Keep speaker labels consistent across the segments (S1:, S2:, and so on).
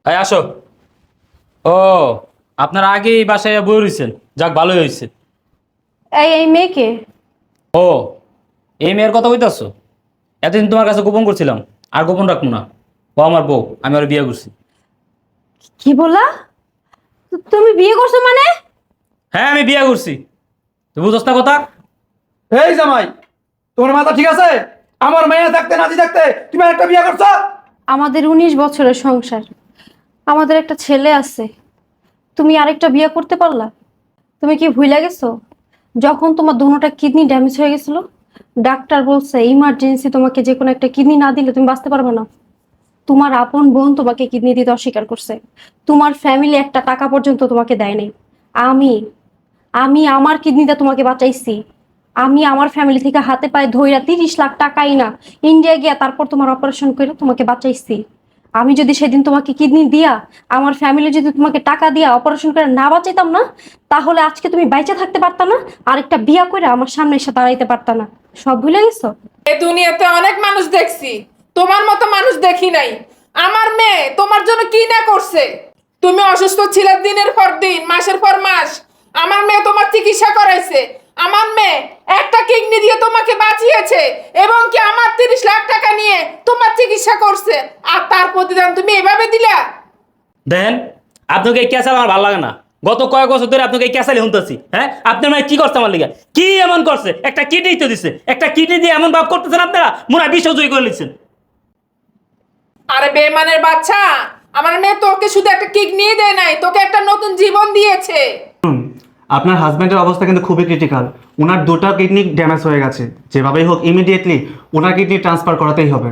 S1: এই আসো। ও, আপনারা আগেই বাসায় বই রয়েছেন, যাক ভালোই হয়েছে।
S2: এই মেয়েকে
S1: ও, এই মেয়ের কথা বলতেছো? এতদিন তোমার কাছে গোপন করছিলাম, আর গোপন রাখবো না। ও আমার বউ, আমি ওর বিয়ে করছি।
S2: কি বললা? তুমি বিয়ে করছো মানে?
S1: হ্যাঁ, আমি বিয়ে করছি। তুই বুঝছ না কথা?
S3: এই জামাই, তোমার মাথা ঠিক আছে? আমার মেয়ে থাকতে নাতি থাকতে তুমি একটা বিয়ে করছো?
S2: আমাদের 19 বছরের সংসার, আমাদের একটা ছেলে আছে, তুমি আরেকটা বিয়ে করতে পারলা? তুমি কি ভুলে গেছো যখন তোমার দুটোটা কিডনি ড্যামেজ হয়ে গেছিল? ডাক্তার বলছে ইমার্জেন্সি তোমাকে যে কোনো একটা কিডনি না দিলে তুমি বাঁচতে পারবে না। তোমার আপন বোন তোমাকে কিডনি দিতে অস্বীকার করছে। তোমার ফ্যামিলি একটা টাকা পর্যন্ত তোমাকে দেয়নি। আমি আমি আমার কিডনিটা তোমাকে বাঁচাইছি। আমি আমার ফ্যামিলি থেকে হাতে পায়ে ধইরা 30 লাখ টাকাই না ইন্ডিয়া গিয়া তারপর তোমার অপারেশন করে তোমাকে বাঁচাইছি। আমি যদি সেদিন তোমাকে কিডনি দিয়া, আমার ফ্যামিলি যদি তোমাকে টাকা দিয়া অপারেশন করে না বাঁচাইতাম না, তাহলে আজকে তুমি বাইচা থাকতে পারতা না, আরেকটা বিয়া করে আমার সামনে এসে দাঁড়াইতে পারতা না। সব ভুলে গেছো?
S4: এই দুনিয়াতে অনেক মানুষ দেখছি, তোমার মতো মানুষ দেখি নাই। আমার মেয়ে তোমার জন্য কি না করছে। তুমি অসুস্থ ছিলে দিনের পর দিন, মাসের পর মাস, আমার মেয়ে তোমার চিকিৎসা করাইছে। আমার মেয়ে একটা কিডনি দিয়ে তোমাকে বাঁচিয়েছে এবং কি আমার 30 লাখ টাকা নিয়ে তোমার চিকিৎসা করছে, আর তার প্রতিদান তুমি এভাবে দিলা?
S1: দেখেন, আপনাকে এই ক্যাসাল আমার ভালো লাগে না। গত কয়েক বছর ধরে আপনাকে এই ক্যাসালি শুনতেছি। হ্যাঁ, আপনার মানে কি করছে আমার লিগা? কি এমন করছে? একটা কিডনি তো দিছে, একটা কিডনি দিয়ে এমন ভাব করতেছেন আপনারা, মনে হয় বিশ্ব জয়ী করে নিচ্ছেন।
S4: আরে বেমানের বাচ্চা, আমার মেয়ে তোকে শুধু একটা কিডনি দেয় নাই, তোকে একটা নতুন জীবন দিয়েছে।
S5: আপনার হাজব্যান্ডের অবস্থা কিন্তু খুবই ক্রিটিক্যাল। ওনার দুটো কিডনি ড্যামেজ হয়ে গেছে। যেভাবেই হোক ইমিডিয়েটলি ওনার কিডনি ট্রান্সফার করাতেই হবে।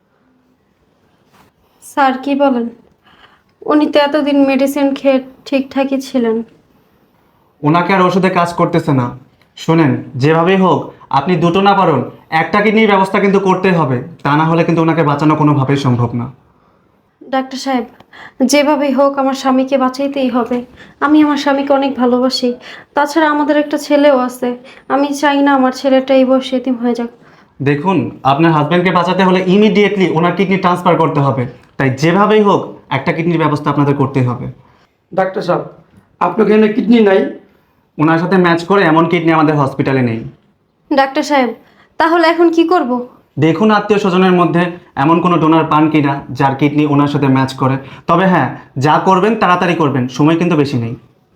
S2: স্যার কি বলেন? উনি তো এতদিন মেডিসিন খেয়ে ঠিকঠাকই ছিলেন।
S5: ওনাকে আর ওষুধে কাজ করতেছে না। শোনেন, যেভাবেই হোক আপনি দুটো না পারুন, একটা কিডনির ব্যবস্থা কিন্তু করতেই হবে। তা না হলে কিন্তু ওনাকে বাঁচানো কোনোভাবেই সম্ভব না।
S2: ডাক্তার সাহেব, যেভাবেই হোক আমার স্বামীকে বাঁচাইতেই হবে। আমি আমার স্বামীকে অনেক ভালোবাসি। তাছাড়া আমাদের একটা ছেলেও আছে। আমি চাই না আমার ছেলেটা এই বয়সে এতিম হয়ে যাক।
S5: দেখুন, আপনার হাজব্যান্ডকে বাঁচাতে হলে ইমিডিয়েটলি ওনার কিডনি ট্রান্সফার করতে হবে। তাই যেভাবেই হোক একটা কিডনির ব্যবস্থা আপনাদের করতেই হবে।
S3: ডাক্তার সাহেব, আপনার এখানে কিডনি নাই?
S5: ওনার সাথে ম্যাচ করে এমন কিডনি আমাদের হসপিটালে নেই।
S2: ডাক্তার সাহেব, তাহলে এখন কি করব?
S5: দেখুন আত্মীয় স্বজনের মধ্যে এমন কোনো ডোনার পান কিনা যার কিডনি ওনার সাথে ম্যাচ করে। তবে হ্যাঁ, যা করবেন তাড়াতাড়ি করবেন, সময় কিন্তু বেশি নেই।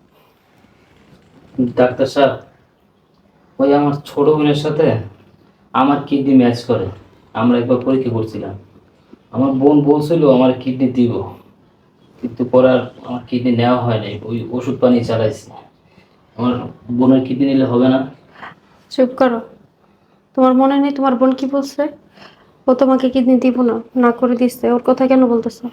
S1: ডাক্তার সাহেব, ওই আমার ছোট বোনের সাথে আমার কিডনি ম্যাচ করে। আমরা একবার পরীক্ষা করছিলাম। আমার বোন বলছিল আমার কিডনি দিব, কিন্তু পরে আর আমার কিডনি নেওয়া হয় নাই। ওই ওষুধ পানি চালাইছি। আমার বোনের কিডনি নিলে হবে না?
S2: চুপ করো। তোমার মনে নেই তোমার বোন কি বলছে? ও তোমাকে কিডনি দিব না না করে দিচ্ছে। ওর কথা কেন বলতেছো?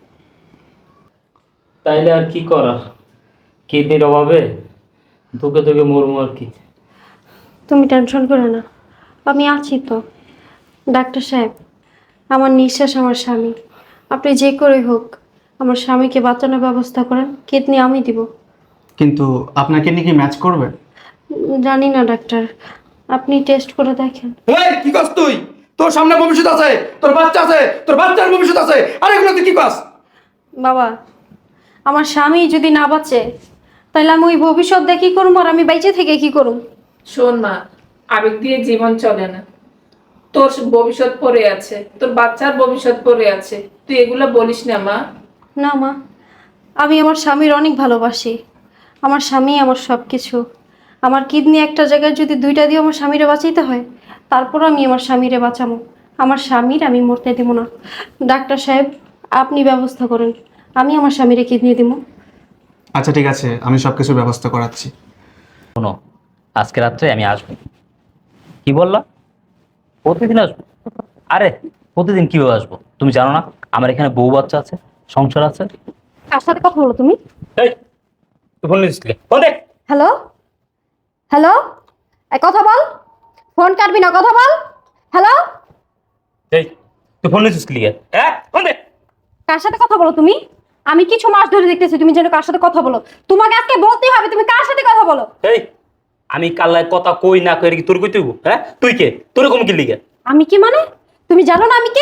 S1: তাইলে আর কি করার, কিডনির অভাবে ধুকে ধুকে মরমু আর কি।
S2: তুমি টেনশন করো না, আমি আছি তো। ডাক্তার সাহেব, আমার নিঃশ্বাস আমার স্বামী। আপনি যে করে হোক আমার স্বামীকে বাঁচানোর ব্যবস্থা করেন। কিডনি আমি দিব।
S5: কিন্তু আপনার কিডনি কি ম্যাচ করবে?
S2: জানি না ডাক্তার, আপনি টেস্ট করে দেখেন।
S3: এই কি করছ তুই? তোর সামনে ভবিষ্যৎ আছে, তোর বাচ্চা আছে, তোর বাচ্চার ভবিষ্যৎ আছে, আর এগুলো তুই কি করছ?
S2: বাবা, আমার স্বামী যদি না বাঁচে তাহলে আমি ওই ভবিষ্যৎ দিয়ে কী করবো, আর আমি বাইচে থেকে কি করব?
S4: শোন মা, আবেগ দিয়ে জীবন চলে না। তোর ভবিষ্যৎ পড়ে আছে, তোর বাচ্চার ভবিষ্যৎ পড়ে আছে, তুই এগুলো বলিস না মা।
S2: না মা, আমি আমার স্বামীর অনেক ভালোবাসি। আমার স্বামী আমার সব কিছু। আমার কিডনি একটা জায়গায় যদি দুইটা দিয়ে আমার স্বামীরে বাঁচাইতে হয়, তারপর আমি আমার স্বামীরে বাঁচাবো। আমার স্বামীর আমি মরতে দেব না। ডাক্তার সাহেব, আপনি ব্যবস্থা করেন, আমি আমার স্বামীরে কিডনি দিব।
S5: আচ্ছা ঠিক আছে, আমি সব কিছুর ব্যবস্থা করাচ্ছি।
S1: শোনো, আজকে রাত্রে আমি আসবো। কি বললা? প্রতিদিন আসবো? আরে প্রতিদিন কিভাবে আসবো? তুমি জানো না আমার এখানে বউ বাচ্চা আছে, সংসার আছে।
S2: কার সাথে কথা বলো তুমি?
S1: এই, তুই ফোন নিয়েছিলি? ফোন দে।
S2: হ্যালো হ্যালো, কথা বল। ফোন কাটবি না, কথা বল। হ্যালো।
S1: এই, তুই ফোন নিয়েছিস কি লিগে? হ্যাঁ, ফোন দে।
S2: কার সাথে কথা বলো তুমি? আমি কিছু মাস ধরে দেখতেছি তুমি যেন কার সাথে কথা বলো। তোমাকে আজকে বলতেই হবে তুমি কার সাথে কথা বলো।
S1: এই, আমি কাল্লায় কথা কই না কই কি তোর কইতে হইব? হ্যাঁ, তুই কে? তোর কম কি লিগে?
S2: আমি কি মানে? তুমি জানো না আমি কে?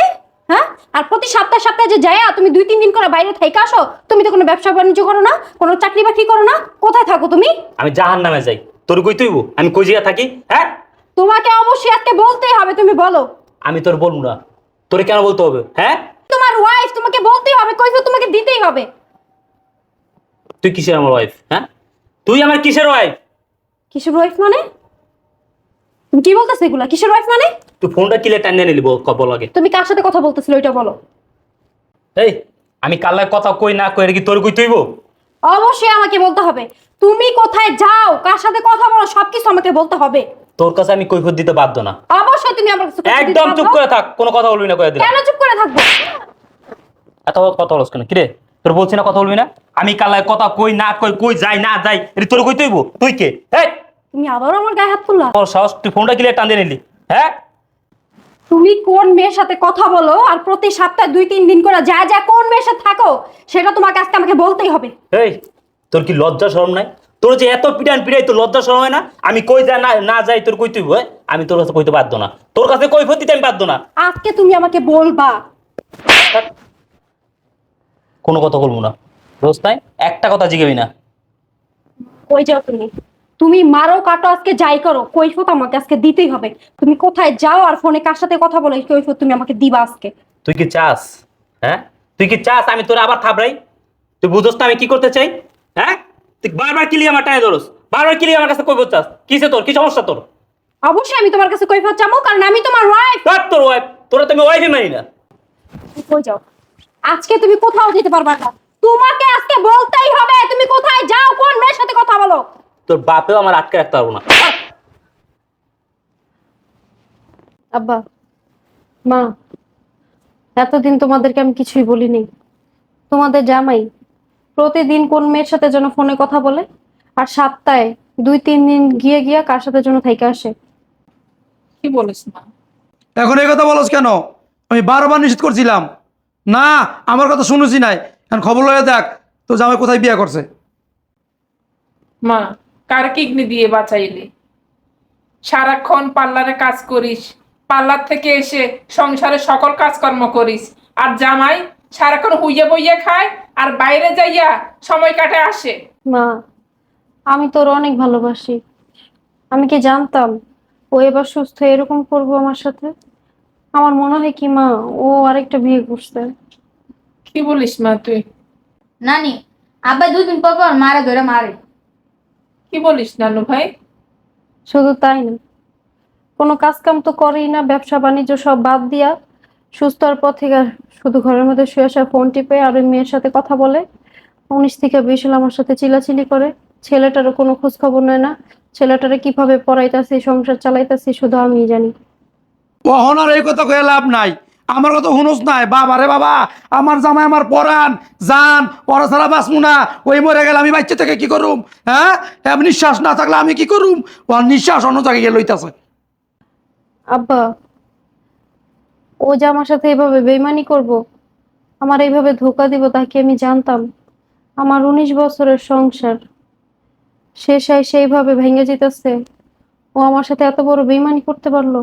S2: হ্যাঁ? আর প্রতি সপ্তাহে সপ্তাহে যে যায়া তুমি 2-3 দিন করে বাইরে থেকে আসো, তুমি তো কোনো ব্যবসা বাণিজ্য করো না, কোনো চাকরি বাকরি করো না, কোথায় থাকো তুমি?
S1: আমি জাহান্নামে যাই, তোর কই তুইব? আমি কই জায়গা থাকি? হ্যাঁ,
S2: তোমাকে অবশ্যই আজকে বলতেই হবে, তুমি বলো।
S1: আমি তোর বলবো না, তোরে কেন বলতে হবে? হ্যাঁ,
S2: তোমার ওয়াইফ, তোমাকে বলতেই হবে, কৈফিয়ত তোমাকে দিতেই হবে।
S1: তুই কিসের আমার ওয়াইফ? হ্যাঁ, তুই আমার কিসের ওয়াইফ?
S2: কিসের ওয়াইফ মানে? তুমি কি বলতেছো এগুলা? কিসের ওয়াইফ মানে?
S1: তুই ফোনটা কিলে টানিয়ে নিলি বল আগে।
S2: তুমি কার সাথে কথা বলতেছিলে ওইটা বলো।
S1: এই, আমি কাল্লায় কথা কই না কই, এটা কি তোর কই তুইব?
S2: অবশ্যই আমাকে বলতে হবে। তুমি কোথায় যাও, কার সাথে কথা বলো, সবকিছু আমাকে বলতে হবে।
S1: তোর কাছে আমি কৈফিয়ত দিতে বাধ্য না।
S2: অবশ্যই তুমি আমার কাছে কথা দিতে
S1: একদম চুপ
S2: পারবে।
S1: করে থাক, কোনো কথা বলবি না কয়ে দিলাম।
S2: কেন চুপ করে থাকবো?
S1: এত কথা বলছ কেন? কিরে, তোর বলছি না কথা বলবি না? আমি কাল্লায় কথা কই না কই, কই যাই না যাই, এটা তোর কই তুইব? তুই কে? এই,
S2: তুমি আবারও আমার গায়ে হাত তুললা?
S1: তোর সাহস, তুই ফোনটা কিলে টান দিয়ে নিলি? হ্যাঁ,
S2: তুমি কোন মেয়ের সাথে কথা বলো আর প্রতি সপ্তাহে 2-3 দিন করে যা যা কোন মেয়ের সাথে থাকো, সেটা তোমাকে আজকে আমাকে বলতেই হবে।
S1: এই, তোর কি লজ্জা শরম নাই? তোর যে এত পিটান পিটাই, তোর লজ্জা শরম হয় না? আমি কই যা না যাই, তোর কই তুইব? আমি তোর কাছে কইতে বাধ্য না, তোর কাছে কৈফিয়ত দিতে আমি বাধ্য না।
S2: আজকে তুমি আমাকে বলবা।
S1: কোনো কথা বলবো না, রোজ নাই একটা কথা জিগাবি না।
S2: কই যাও তুমি? তুমি মারো কাটো আজকে যাই করো, কৈফিয়ত আমাকে আজকে দিতেই হবে। তুমি কোথায় যাও আর ফোনে কার সাথে কথা বলো, এই কৈফিয়ত তুমি আমাকে দিবা আজকে।
S1: তুই কি চাস? হ্যাঁ, তুই কি চাস আমি তোর আবার থাবড়াই? তুই বুঝোস না আমি কি করতে চাই? হ্যাঁ, তুই বারবার কিলি আমার টানে ধরস, বারবার কিলি আমার কাছে কৈফিয়ত চাস। কিসে তোর কি সমস্যা তোর?
S2: অবশ্যই আমি তোমার কাছে কৈফিয়ত চাবো, কারণ আমি তোমার ওয়াইফ।
S1: ধর তোর ওয়াইফ, তোরা তুমি ওয়াইফই মানি না।
S2: কই যাও? আজকে তুমি কোথাও যেতে পারবা না, তোমাকে আজকে বলতেই হবে তুমি কোথায় যাও, কোন মেয়ের সাথে কথা বলো।
S1: তোর বাপেও আমার আটকে রাখতে পারবো না।
S2: আব্বা, মা, এতদিন তোমাদেরকে আমি কিছুই বলিনি। তোমাদের জামাই প্রতিদিন কোন মেয়ের সাথে যেন ফোনে কথা বলে, আর সপ্তাহে 2-3 দিন গিয়ে গিয়ে কার সাথে যেন থাইকা আসে।
S4: কি বলিস না?
S3: এখন এই কথা বলছ কেন? আমি বারবার নিষেধ করছিলাম না, আমার কথা শুনেছি নাই। এখন খবর লয়ে দেখ তো জামাই কোথায় বিয়ে করছে।
S4: মা, কার কিডনি দিয়ে বাঁচাইলি? সারাক্ষণ পার্লারে কাজ করিস, পার্লার থেকে এসে সংসারে সকল কাজকর্ম করিস, আর জামাই সারাক্ষণ হুইয়ে বইয়ে খায় আর বাইরে যাইয়া সময় কাটে আসে।
S2: মা, আমি তোর অনেক ভালোবাসি। আমি কি জানতাম ও এবার সুস্থ হয়ে এরকম করবো আমার সাথে? আমার মনে হয় কি মা, ও আরেকটা বিয়ে করছে।
S4: কি বলিস মা তুই?
S6: নানি, আব্বা 2 দিন পর পর মারে ধরে মারে।
S4: কি বলিস নানু ভাই?
S2: শুধু তাই না, কোনো কাজ কাম তো করেই না, ব্যবসা বাণিজ্য সব বাদ দিয়া সুস্থ হওয়ার পর থেকে আর শুধু ঘরের মধ্যে শুয়ে আসা, ফোন টিপে আর ওই মেয়ের সাথে কথা বলে। 19 থেকে 20 সাল আমার সাথে চিলাচিলি করে। ছেলেটারও কোনো খোঁজ খবর নেয় না। ছেলেটারে কিভাবে পড়াইতাছি, সংসার চালাইতাছি শুধু আমিই জানি।
S3: ওহন আর এই কথা কয়ে লাভ নাই, আমার কথা শুনোস নাই। বাবা রে বাবা, আমার জামাই আমার পরাণ জান, পরা ছাড়া বাঁচমু না। ওই মরে গেলে আমি বাচ্চা থেকে কি করুম? হ্যাঁ, এমন নিঃশ্বাস না থাকলে আমি কি করুম? ও নিঃশ্বাস অন্য জায়গায় গিয়ে লইতাছে।
S2: আব্বা, ও যে আমার সাথে এভাবে বেইমানি করব, আমার এইভাবে ধোকা দিব, তা কি আমি জানতাম? আমার 19 বছরের সংসার শেষায় সেইভাবে ভেঙে যেতেছে, ও আমার সাথে এত বড় বেইমানি করতে পারলো?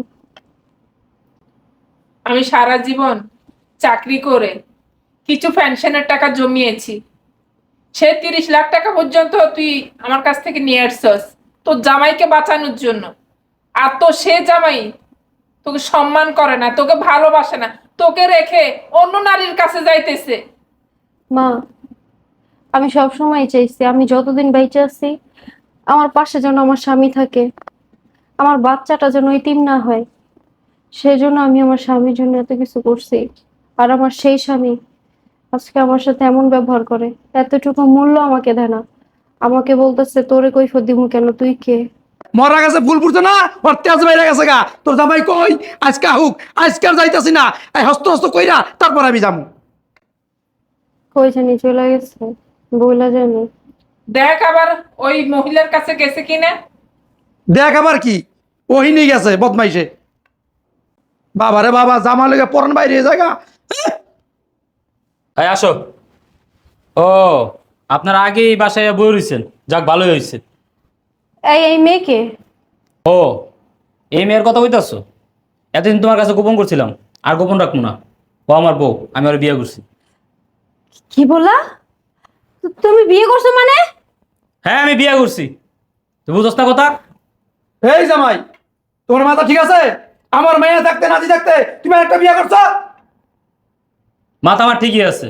S4: আমি সারা জীবন চাকরি করে কিছু পেনশনের টাকা জমিয়েছি, সে 30 লাখ টাকা পর্যন্ত তুই আমার কাছ থেকে নিয়ে আসছস তোর জামাইকে বাঁচানোর জন্য। আর তো সে জামাই তোকে সম্মান করে না, তোকে ভালোবাসে না, তোকে রেখে অন্য নারীর কাছে যাইতেছে।
S2: মা, আমি সব সময় চাইছি আমি যতদিন বেঁচে আছি আমার পাশে যেন আমার স্বামী থাকে, আমার বাচ্চাটা যেন ইতিম না হয়। সেজন্য আমি আমার স্বামীর জন্য এত কিছু করছি। আর আমার সেই স্বামী আজকে আমার সাথে এমন ব্যবহার করে, এতটুকু মূল্য আমাকে দেয় না। আমাকে বলতেছে তোরে কৈফিয়ত দিমু কেন, তুই কে?
S3: মরা গেছে ফুল ফুটছে না, ওর তেজ বাইরে গেছে গা। তোর জামাই কই আজকে আহুক, আজকে আর যাইতাছি না। এই হস্ত হস্ত কইরা তারপর আমি যাবো।
S2: কই জানি চলে গেছে, বইলা জানি।
S4: দেখ আবার ওই মহিলার কাছে গেছে কিনা।
S3: দেখ আবার কি, ওহিনী গেছে বদমাইশে। বাবা রে বাবা, জামা লেগে পরান বাইরে জায়গা।
S1: এই আসো। ও, আপনারা আগেই বাসায় বই রয়েছেন, যাক ভালোই হয়েছে।
S2: এই মেয়েকে?
S1: ও, এই মেয়ের কথা কইতাছো? এতদিন তোমার কাছে গোপন করছিলাম, আর গোপন রাখবো না। ও আমার বউ, আমি ওর বিয়ে করছি।
S2: কি বললা? তুমি বিয়ে করছো মানে?
S1: হ্যাঁ আমি বিয়ে করছি, তুই বুঝছ না কথা?
S3: এই জামাই, তোমার মাথা ঠিক আছে? আমার মেয়ে থাকতে নাতি থাকতে তুমি একটা বিয়ে করছো?
S1: মাথা আমার ঠিকই আছে,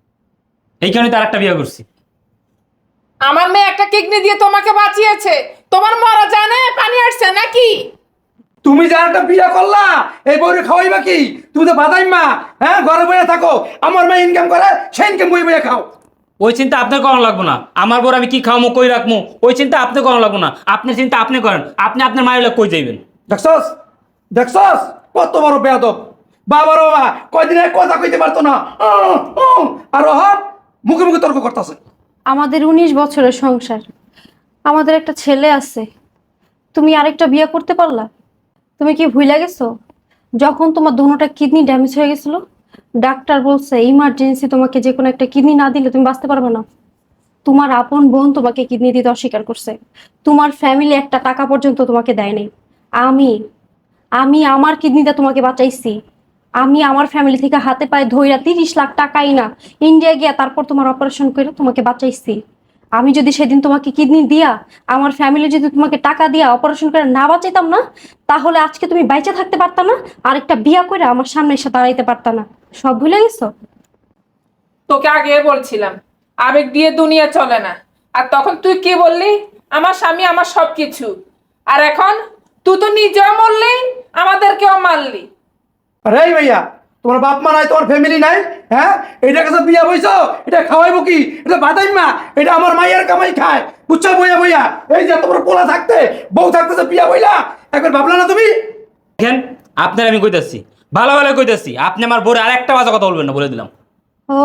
S1: এই কারণে তার একটা বিয়ে করছি।
S4: আমার মেয়ে একটা কিডনি দিয়ে তোমাকে বাঁচিয়েছে, তোমার মরা জানে পানি আসছে নাকি?
S3: তুমি যার একটা বিয়ে করলা, এই বউরে খাওয়াইবা কি? তুমি তো বাদাই মা, হ্যাঁ ঘরে বসে থাকো, আমার মেয়ে ইনকাম করে, সে ইনকাম বই বইয়ে খাও।
S1: ওই চিন্তা আপনার করানো লাগবো না, আমার বর আমি কি খাওয়ামো কই রাখবো ওই চিন্তা আপনি করানো লাগবো না। আপনি চিন্তা আপনি করেন, আপনি আপনার মায়ের কই যাইবেন।
S3: দেখছস দেখছস কত বড় বেয়াদব! বাবার বাবা কয়দিন এক কথা কইতে পারতো না, আর ওহন মুখে মুখে তর্ক করতেছে।
S2: আমাদের 19 বছরের সংসার, আমাদের একটা ছেলে আছে, তুমি আরেকটা বিয়ে করতে পারলা? তুমি কি ভুলে গেছো যখন তোমার দুটোটা কিডনি ড্যামেজ হয়ে গেছিল, ডাক্তার বলছে ইমার্জেন্সি তোমাকে যে কোনো একটা কিডনি না দিলে তুমি বাঁচতে পারবে না। তোমার আপন বোন তোমাকে কিডনি দিতে অস্বীকার করছে, তোমার ফ্যামিলি একটা টাকা পর্যন্ত তোমাকে দেয়নি। আমি আমি আমার কিডনিটা তোমাকে বাঁচাইছি। আমি আমার ফ্যামিলি থেকে হাতে পায়ে ধইরা 30 লাখ টাকাই না ইন্ডিয়া গিয়া তারপর তোমার অপারেশন করে তোমাকে বাঁচাইছি। আমি যদি সেদিন তোমাকে কিডনি দিয়া, আমার ফ্যামিলি যদি তোমাকে টাকা দিয়া অপারেশন করে না বাঁচাইতাম না, তাহলে আজকে তুমি বাইচে থাকতে পারতা না, আরেকটা বিয়া করে আমার সামনে এসে দাঁড়াইতে পারতা না। সব ভুলে গেছো?
S4: তোকে আগে বলছিলাম আবেগ দিয়ে দুনিয়া চলে না, আর তখন তুই কি বললি? আমার স্বামী আমার সবকিছু। আর এখন তুই তো নিজেও মরলি, আমাদেরকেও মারলি।
S3: আরে এই ভাইয়া, তোমার বাপ মা নাই, তোমার ফ্যামিলি নাই, হ্যাঁ? এটা কাছে বিয়া বইছো, এটা খাওয়াইবো কি? এটা বাদাই মা, এটা আমার মায়ের কামাই খায়, বুঝছো বইয়া বইয়া? এই যে তোমার পোলা থাকতে বউ থাকতে যে বিয়া বইলা, একবার ভাবলা না তুমি?
S1: দেখেন আপনার আমি কইতাছি, ভালো ভালো কইতাছি, আপনি আমার বউরে আর একটা বাজে কথা বলবেন না বলে দিলাম।
S2: ও,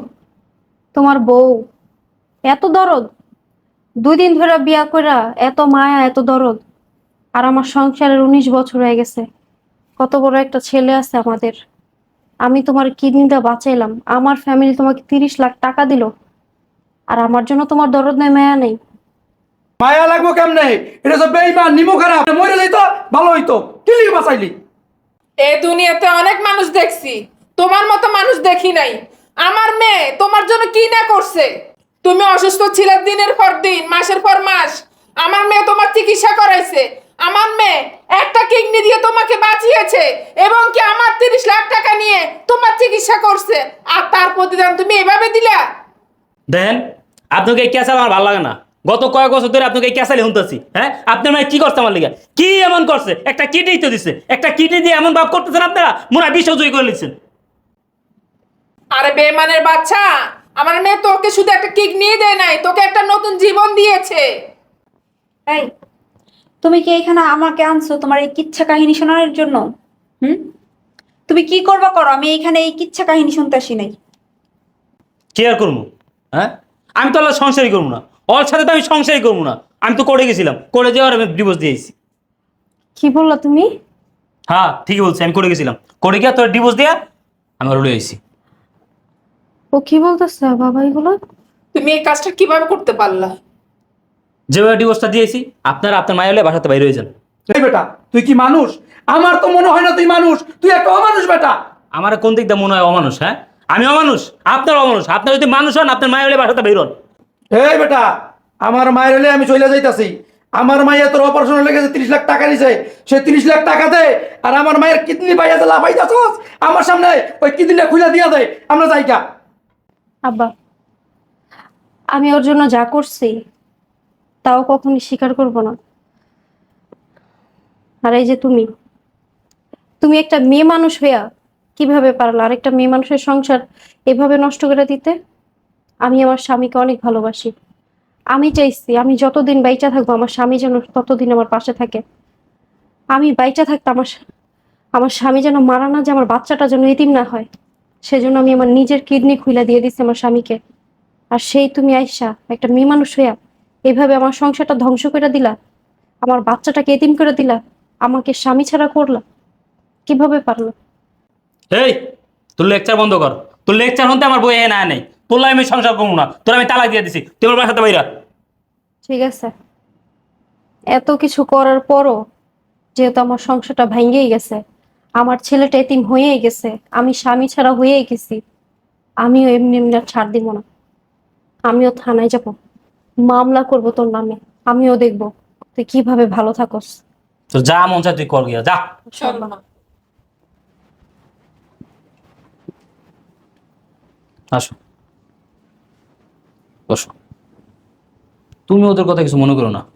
S2: তোমার বউ এত দরদ? 2 দিন ধরে বিয়া কইরা এত মায়া এত দরদ? আর আমার সংসারের 19 বছর হয়ে গেছে, কত বড় একটা ছেলে আছে আমাদের। আমি তোমার কিডনিটা বাঁচাইলাম, আমার ফ্যামিলি তোমাকে 30 লাখ টাকা দিল, আর আমার জন্য তোমার দরদ নেই, মায়া নেই?
S3: মায়া লাগবো কেমনে? এটা তো বেইমান নিমো খারাপ, মরে যাইতো ভালো হইতো, কি লিগে বাঁচাইলি?
S4: এই দুনিয়াতে অনেক মানুষ দেখছি, তোমার মতো মানুষ দেখি নাই। আমার মেয়ে তোমার জন্য কি না করছে? তুমি অসুস্থ ছিলে দিনের পর দিন, মাসের পর মাস, আমার মেয়ে তোমার চিকিৎসা করাইছে। আমার মেয়ে একটা কিডনি দিয়ে তোমাকে বাঁচিয়েছে, এবং কি আমার 30 লাখ টাকা নিয়ে তোমার চিকিৎসা করছে, আর তার প্রতিদান তুমি এভাবে দিলা?
S1: দেখেন আপনাকে এই ক্যাসাল আমার ভালো লাগে না। গত কয়েক বছর ধরে আপনাকে এই ক্যাসালে শুনতেছি। হ্যাঁ আপনার মানে কি করছে আমার লিগে? কি এমন করছে? একটা কিডনি তো দিছে, একটা কিডনি দিয়ে এমন ভাব করতেছেন আপনারা মনে হয় বিশ্বজয়ী করে নিচ্ছেন।
S4: আরে বেমানের বাচ্চা, আমার মেয়ে তোকে শুধু একটা কিডনি দেয় নাই, তোকে একটা নতুন জীবন দিয়েছে।
S7: এই, তুমি কি এখানে আমাকে আনছো তোমার এই কিচ্ছা কাহিনী শোনানোর জন্য? হুম, তুমি কি করবা করো, আমি এইখানে এই কিচ্ছা কাহিনী শুনতে আসি নাই।
S1: কি আর করবো? হ্যাঁ আমি তো আল্লাহ সংসারই করবো না, ওর সাথে তো আমি সংসারই করবো না। আমি তো করে গেছিলাম, করে যাওয়ার আমি ডিভোর্স দিয়েছি।
S2: কি বললা তুমি?
S1: হ্যাঁ ঠিকই বলছি, আমি করে গেছিলাম, করে গিয়া তোর ডিভোর্স দিয়া আমি উড়ে আইছি।
S2: ও কি বলতেছে বাবা এগুলো?
S4: তুমি এই কাজটা কিভাবে করতে পারলা?
S1: যেভাবে ডিভোর্সটা দিয়েছি আপনারা আপনার মায়ের হলে বাসাতে বাইরে হয়ে যান।
S3: এই বেটা, তুই কি মানুষ? আমার তো মনে হয় না তুই মানুষ, তুই একটা অমানুষ বেটা।
S1: আমার কোন দিক দিয়ে মনে হয় অমানুষ? হ্যাঁ আমি অমানুষ, আপনার অমানুষ। আপনার যদি মানুষ হন আপনার মায়ের হলে বাসাতে বাইর হন।
S3: এই বেটা, আমার মায়ের হলে আমি চলে যাইতাছি। আমার মায়ের তোর অপারেশন লেগেছে, 30 লাখ টাকা নিছে, সে 30 লাখ টাকা দে। আর আমার মায়ের কিডনি পাইয়া যে লাফাইতাছস আমার সামনে, ওই কিডনিটা খুলে দিয়া দে, আমরা যাইকা।
S2: আব্বা, আমি ওর জন্য যা করছি তাও কখনই স্বীকার করব না। আর এই যে তুমি তুমি একটা মেয়ে মানুষ হইয়া কিভাবে পারলা আরেকটা মেয়ে মানুষের সংসার এভাবে নষ্ট করে দিতে? আমি আমার স্বামীকে অনেক ভালোবাসি, আমি চাইছি আমি যতদিন বাইচা থাকবো আমার স্বামী যেন ততদিন আমার পাশে থাকে। আমি বাইচা থাকতে আমার স্বামী যেন মারা না, যে আমার বাচ্চাটা যেন এতিম না হয়, সেজন্য আমি আমার নিজের কিডনি খুলে দিয়ে দিচ্ছি আমার স্বামীকে। আর সেই তুমি আইসা একটা মেয়ে মানুষ হইয়া এইভাবে আমার সংসারটা ধ্বংস করে দিলা, আমার বাচ্চাটাকে এতিম করে দিলা, আমাকে স্বামী ছাড়া করলা, কিভাবে পারলো?
S1: এই তোর লেকচার বন্ধ কর, তোর লেকচার হতে আমার বই এ না নেই। তোর আমি সংসার করবো না, তোর আমি তালাক দিয়ে দিছি, তুই আমার বাসাতে বাইরা।
S2: ঠিক আছে, এত কিছু করার পরও যেহেতু আমার সংসারটা ভেঙেই গেছে, আমার ছেলেটা এতিম হয়েই গেছে, আমি স্বামী ছাড়া হয়েই গেছি। আমিও এমনি এমনি আর ছাড় দিব না। আমিও থানায় যাব, মামলা করব তোর নামে। আমিও দেখব তুই কিভাবে ভালো থাকস।
S1: তো যা মন চায় তুই কর গিয়া যা।
S4: চলো না।
S1: আসো, বসো। তুমি ওদের কথা কিছু মনে করো না।